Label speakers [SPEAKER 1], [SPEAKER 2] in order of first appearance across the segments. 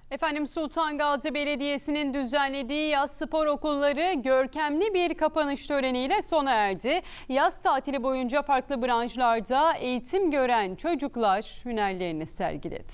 [SPEAKER 1] Efendim Sultan Gazi Belediyesi'nin düzenlediği yaz spor okulları görkemli bir kapanış töreniyle sona erdi. Yaz tatili boyunca farklı branşlarda eğitim gören çocuklar hünerlerini sergiledi.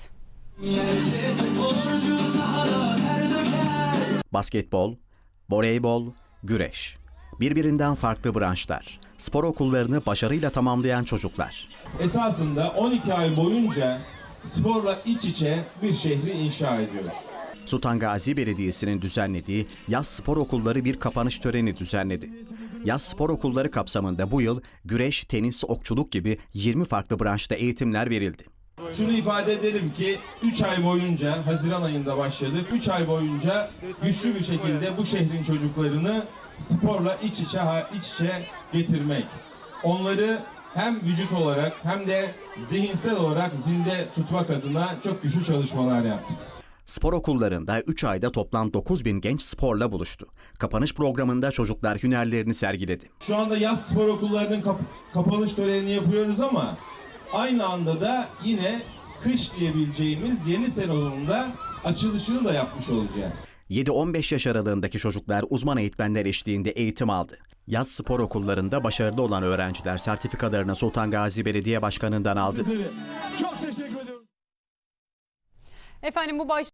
[SPEAKER 2] Basketbol, voleybol, güreş. Birbirinden farklı branşlar. Spor okullarını başarıyla tamamlayan çocuklar.
[SPEAKER 3] Esasında 12 ay boyunca sporla iç içe bir şehri inşa ediyoruz.
[SPEAKER 2] Sultan Gazi Belediyesi'nin düzenlediği yaz spor okulları bir kapanış töreni düzenledi. Yaz spor okulları kapsamında bu yıl güreş, tenis, okçuluk gibi 20 farklı branşta eğitimler verildi.
[SPEAKER 3] Şunu ifade edelim ki 3 ay boyunca, Haziran ayında başladık. 3 ay boyunca güçlü bir şekilde bu şehrin çocuklarını sporla iç içe getirmek. Onları hem vücut olarak hem de zihinsel olarak zinde tutmak adına çok güçlü çalışmalar yaptık.
[SPEAKER 2] Spor okullarında 3 ayda toplam 9.000 genç sporla buluştu. Kapanış programında çocuklar hünerlerini sergiledi.
[SPEAKER 3] Şu anda yaz spor okullarının kapanış törenini yapıyoruz ama aynı anda da yine kış diyebileceğimiz yeni sezonunda açılışını da yapmış olacağız.
[SPEAKER 2] 7-15 yaş aralığındaki çocuklar uzman eğitmenler eşliğinde eğitim aldı. Yaz spor okullarında başarılı olan öğrenciler sertifikalarını Sultan Gazi Belediye Başkanı'ndan aldı.
[SPEAKER 3] Çok teşekkür ediyorum.
[SPEAKER 1] Efendim bu baş